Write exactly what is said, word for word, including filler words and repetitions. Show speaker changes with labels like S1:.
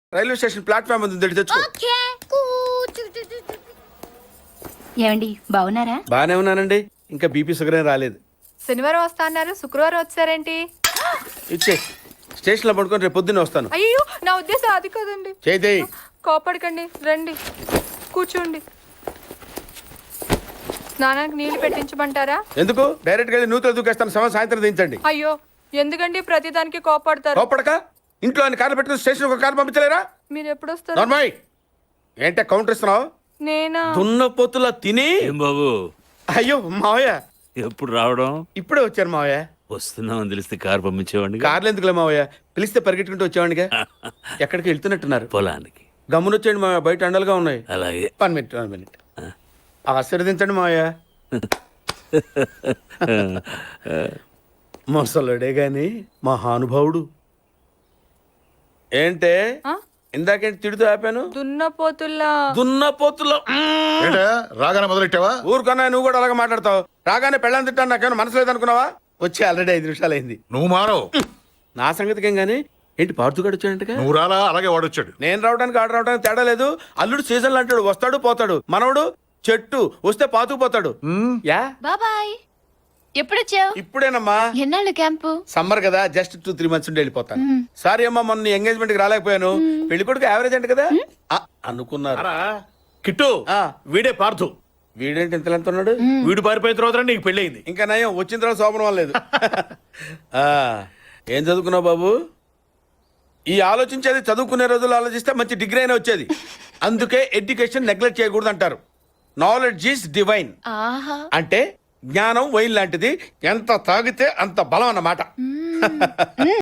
S1: Railway station platform ఉంది తెచ్చుకో.
S2: ఏమండి బాగున్నారా?
S1: బానే ఉన్నానండి, ఇంకా బీపీ షుగర్ ఏం రాలేదు.
S3: శనివారం వస్తా అన్నారు, శుక్రవారం వచ్చారేంటి?
S1: ఇచ్చే స్టేషన్ లో పడుకొని రేపు పొద్దున్నే వస్తాను.
S3: అయ్యో నా ఉద్దేశం అది కదండి.
S1: చేయి
S3: కోపడకండి, రండి కూర్చోండి. స్నానానికి నీళ్లు పెట్టించమంటారా?
S1: ఎందుకు? డైరెక్ట్ గా నూతులు దూకేస్తాను, సమయం సాయంత్రం దించండి.
S3: అయ్యో ఎందుకండి ప్రతిదానికి కోపడతారు?
S1: కోపడక ఇంట్లో అన్ని కార్లు పెట్టుకుని స్టేషన్ ఒక కారు పంపించలేరా?
S3: మీరు ఎప్పుడు వస్తారు?
S1: నార్మల్ ఏంటే కౌంటర్ ఇస్తున్నావు?
S3: నేనా?
S1: దున్న పొత్తుల తిని.
S4: ఏం బాబు
S1: అయ్యో మావయ్య
S4: ఎప్పుడు రావడం?
S1: ఇప్పుడే వచ్చారు మావయ్య.
S4: వస్తున్నామని తెలిస్తే కారు పంపించేవాడిని.
S1: కార్లు ఎందుకులే మావయ్య, పిలిస్తే పరిగెట్టుకుంటూ వచ్చేవాడిగా. ఎక్కడికి వెళ్తున్నట్టున్నారు?
S4: పొలానికి.
S1: గమ్మునొచ్చేయండి మావయ్య, బయట అండలుగా ఉన్నాయి.
S4: అలాగే.
S1: వన్ మినిట్ వన్ మినిట్ ఆశీర్వదించండి మావయ్య. మొసలుడే గాని మహానుభావుడు. ఏంటే
S3: ఆ?
S1: ఇందాకేంటి తిడుతూ ఆపాను?
S3: దున్నపోతుల్లా.
S1: దున్నపోతులో
S5: ఏంటా రాగానే మొదలెట్టావా?
S1: ఊరుకున్నా, నువ్వు కూడా అలాగే మాట్లాడతావు. రాగానే పెళ్ళని తిట్టాను, నాకేమైనా మనసు లేదనుకున్నావా? వచ్చి ఆల్రెడీ ఐదు నిమిషాలు అయింది.
S5: నువ్వు మారవు.
S1: నా సంగతికి ఏం గానీ ఏంటి పార్తుగాడు వచ్చాడంటగా?
S5: నువ్వు రాలా, అలాగే వాడొచ్చాడు.
S1: నేను రావడానికి ఆడ రావడానికి తేడా లేదు. అల్లుడు సీజన్ అంటాడు, వస్తాడు పోతాడు. మనవడు చెట్టు వస్తే పాతుకుపోతాడు. యా
S2: బాబాయ్ ఎప్పుడొచ్చావు?
S1: ఇప్పుడేనమ్మా.
S2: ఎన్నాళ్ళు క్యాంపు?
S1: సమ్మర్ కదా, జస్ట్ టూ త్రీ మంత్స్ ఉండి వెళ్ళిపోతాను. సారీ అమ్మా, మొన్న ఎంగేజ్మెంట్ కి రాలేకపోయాను. పెళ్లి కొడుకు యావరేజ్ అంట కదా. ఆ, అనుకున్నారు.
S6: కిట్టు
S1: ఆ.
S6: వీడే పార్థు.
S1: వీడేంటి ఇంత ఎంత ఉన్నాడు?
S6: వీడు పారిపోయిన తర్వాత నీకు పెళ్ళయింది.
S1: ఇంకా నయం, వచ్చిన తర్వాత శోభనం అవ్వలేదు. ఆ, ఏం చదువుకున్నావు బాబు? ఈ ఆలోచించేది చదువుకునే రోజులు ఆలోచిస్తే మంచి డిగ్రీ అయినా వచ్చేది. అందుకే ఎడ్యుకేషన్ నెగ్లెక్ట్ చేయకూడదు అంటారు. Knowledge is divine.
S2: ఆహా.
S1: అంటే జ్ఞానం వైన్ లాంటిది, ఎంత తాగితే అంత బలం అన్నమాట.